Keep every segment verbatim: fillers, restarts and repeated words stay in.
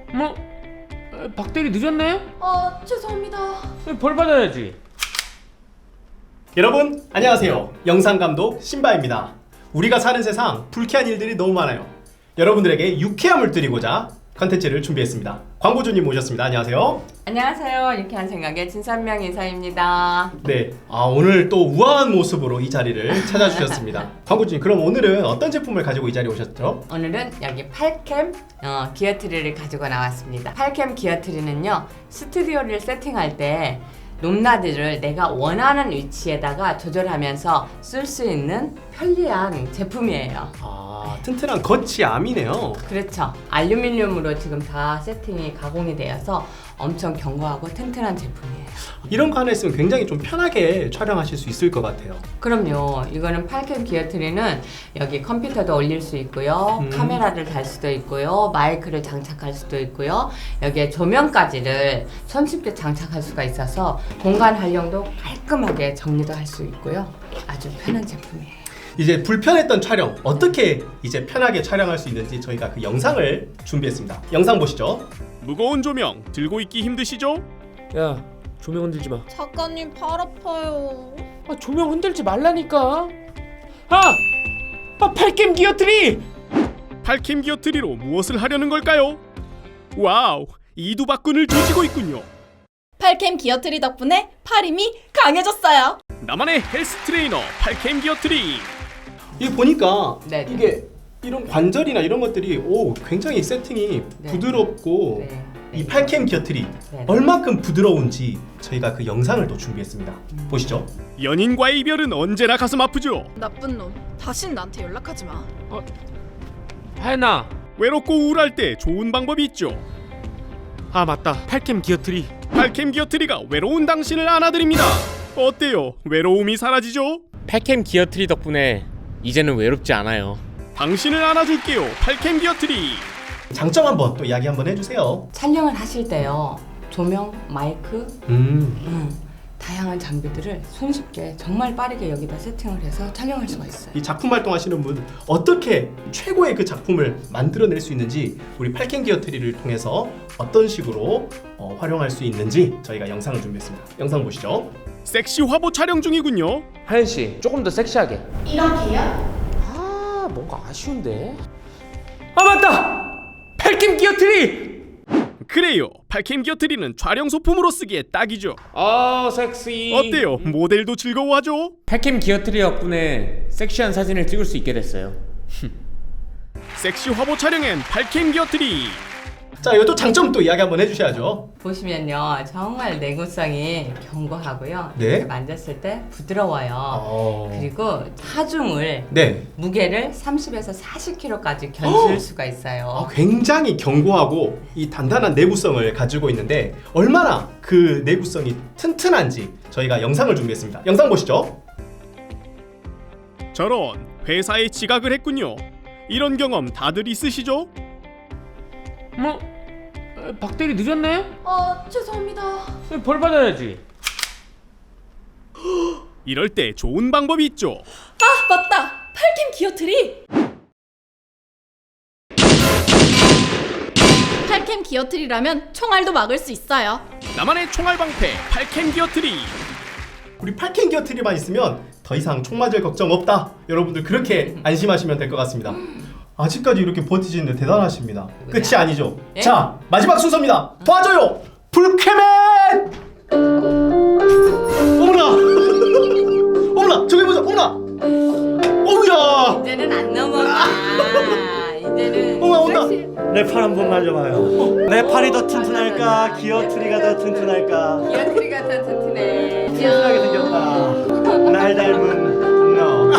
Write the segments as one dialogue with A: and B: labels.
A: 뭐? 박대리 늦었네?
B: 아, 죄송합니다.
A: 벌 받아야지.
C: 여러분 안녕하세요. 영상감독 신바입니다. 우리가 사는 세상 불쾌한 일들이 너무 많아요. 여러분들에게 유쾌함을 드리고자 컨텐츠를 준비했습니다. 광고주님 모셨습니다. 안녕하세요.
B: 안녕하세요. 유쾌한 생각의 진선명 이사입니다.
C: 네, 아, 오늘 또 우아한 모습으로 이 자리를 찾아주셨습니다. 광고주님, 그럼 오늘은 어떤 제품을 가지고 이 자리에 오셨죠?
B: 오늘은 여기 팔캠 어, 기어트리를 가지고 나왔습니다. 팔캠 기어트리는요, 스튜디오를 세팅할 때 높낮이를 내가 원하는 위치에다가 조절하면서 쓸 수 있는 편리한 제품이에요.
C: 아, 튼튼한 거치 암이네요.
B: 그렇죠. 알루미늄으로 지금 다 세팅이 가공이 되어서 엄청 견고하고 튼튼한 제품이에요.
C: 이런 거 하나 있으면 굉장히 좀 편하게 촬영하실 수 있을 것 같아요.
B: 그럼요. 이거는 팔캠 기어트리는 여기 컴퓨터도 올릴 수 있고요.
C: 음.
B: 카메라를 달 수도 있고요. 마이크를 장착할 수도 있고요. 여기에 조명까지를 손쉽게 장착할 수가 있어서 공간 활용도 깔끔하게 정리도 할 수 있고요. 아주 편한 제품이에요.
C: 이제 불편했던 촬영 어떻게 이제 편하게 촬영할 수 있는지 저희가 그 영상을 준비했습니다. 영상 보시죠.
D: 무거운 조명 들고 있기 힘드시죠?
A: 야, 조명 흔들지 마.
E: 작가님 팔 아파요.
A: 아, 조명 흔들지 말라니까. 아! 아, 팔캠 기어트리!
D: 팔캠 기어트리로 무엇을 하려는 걸까요? 와우, 이두박근을 조지고 있군요.
E: 팔캠 기어트리 덕분에 팔 힘이 강해졌어요.
D: 나만의 헬스 트레이너 팔캠 기어트리.
C: 이게 보니까
B: 네네.
C: 이게 이런 관절이나 이런 것들이 오 굉장히 세팅이
B: 네.
C: 부드럽고
B: 네.
C: 이 팔캠 기어트리
B: 네.
C: 얼마큼 부드러운지 저희가 그 영상을 또 준비했습니다. 보시죠.
D: 연인과의 이별은 언제나 가슴 아프죠.
E: 나쁜 놈. 다신 나한테 연락하지 마.
A: 하연아.
D: 외롭고 우울할 때 좋은 방법이 있죠.
A: 아, 맞다. 팔캠 기어트리.
D: 팔캠 기어트리가 외로운 당신을 안아드립니다. 어때요? 외로움이 사라지죠?
A: 팔캠 기어트리 덕분에 이제는 외롭지 않아요.
D: 당신을 안아줄게요. 팔캠 기어트리.
C: 장점 한번 또 이야기 한번 해주세요.
B: 촬영을 하실 때요. 조명, 마이크,
C: 음.
B: 음, 다양한 장비들을 손쉽게 정말 빠르게 여기다 세팅을 해서 촬영할 수가 있어요.
C: 이 작품 활동하시는 분 어떻게 최고의 그 작품을 만들어낼 수 있는지 우리 팔캠 기어트리를 통해서 어떤 식으로 어, 활용할 수 있는지 저희가 영상을 준비했습니다. 영상 보시죠.
D: 섹시 화보 촬영 중이군요.
A: 하연 씨, 조금 더 섹시하게.
E: 이렇게요?
A: 아, 뭔가 아쉬운데. 아, 맞다. 팔캠 기어트리.
D: 그래요. 팔캠 기어트리는 촬영 소품으로 쓰기에 딱이죠.
A: 아, 섹시.
D: 어때요? 모델도 즐거워하죠?
A: 팔캠 기어트리 덕분에 섹시한 사진을 찍을 수 있게 됐어요.
D: 섹시 화보 촬영엔 팔캠 기어트리.
C: 자, 이것도 장점 또 이야기 한번 해주셔야죠.
B: 보시면요, 정말 내구성이 견고하고요.
C: 네.
B: 이렇게 만졌을 때 부드러워요.
C: 어...
B: 그리고 하중을
C: 네.
B: 무게를 삼십에서 사십 킬로그램까지 견줄 수가 있어요.
C: 아, 굉장히 견고하고 이 단단한 내구성을 가지고 있는데 얼마나 그 내구성이 튼튼한지 저희가 영상을 준비했습니다. 영상 보시죠.
D: 저런, 회사에 지각을 했군요. 이런 경험 다들 있으시죠?
A: 뭐? 박대리 늦었네?
B: 아, 죄송합니다.
A: 벌 받아야지.
D: 이럴 때 좋은 방법이 있죠.
E: 아, 맞다. 팔캠 기어트리. 팔캠 기어트리라면 총알도 막을 수 있어요.
D: 나만의 총알 방패 팔캠 기어트리.
C: 우리 팔캠 기어트리만 있으면 더 이상 총 맞을 걱정 없다. 여러분들 그렇게 안심하시면 될 것 같습니다. 아직까지 이렇게 버티시는데 대단하십니다. 끝이 아니죠.
B: 예?
C: 자, 마지막 순서입니다. 도와줘요. 불쾌맨. 어머나. 어머나. 저기 보자. 어머나. 어머야.
B: 이제는 안 넘어가. 이제는
C: 어머, 온다.
B: 섹시-
F: 내 팔 한번 만져봐요. 내 팔이 더 튼튼할까? 기어트리가 더 튼튼할까?
B: 기어트리가 더 튼튼해.
F: 튼튼하게 생겼다. 날 닮은 너.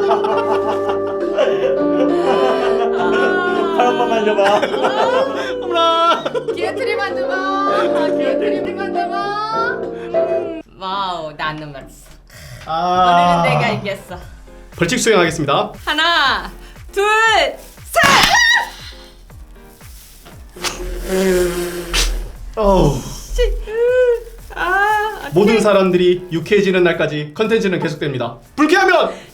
F: 팔 한번 만져봐.
C: 어머나.
B: 기어트리 만져봐. 기어트리 만져봐. 음, 와우, 나 안 넘어갔어.
C: 아.
B: 오늘은 내가 이겼어.
C: 벌칙 수행하겠습니다.
B: 하나, 둘, 셋.
C: 어우.
B: 아,
C: 모든 사람들이 유쾌해지는 날까지 컨텐츠는 계속됩니다. 불쾌하면